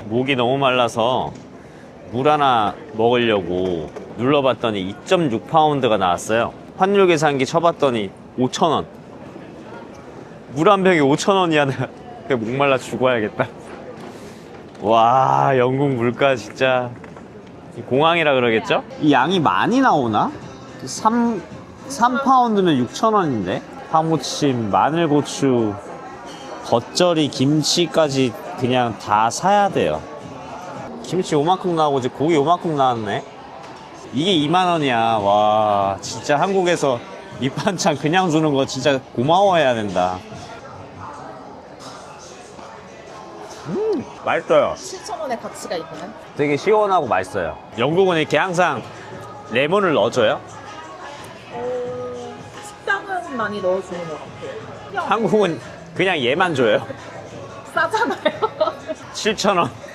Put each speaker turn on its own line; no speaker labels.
목이 너무 말라서 물 하나 먹으려고 눌러봤더니 2.6파운드가 나왔어요. 환율 계산기 쳐봤더니 5,000원. 물 한 병에 5,000원이야. 내가 목말라 죽어야겠다. 와, 영국 물가 진짜. 공항이라 그러겠죠? 이 양이 많이 나오나? 3파운드면 6,000원인데? 파무침, 마늘고추, 겉절이, 김치까지 그냥 다 사야 돼요. 김치 요만큼 나오고 이제 고기 요만큼 나왔네. 이게 2만원이야. 와, 진짜 한국에서 밑반찬 그냥 주는 거 진짜 고마워해야 된다. 맛있어요.
7,000원의 가치가 있나요?
되게 시원하고 맛있어요. 영국은 이렇게 항상 레몬을 넣어줘요.
식당은 많이 넣어주는 것 같아요.
한국은 그냥 얘만 줘요.
싸잖아요.
7,000원.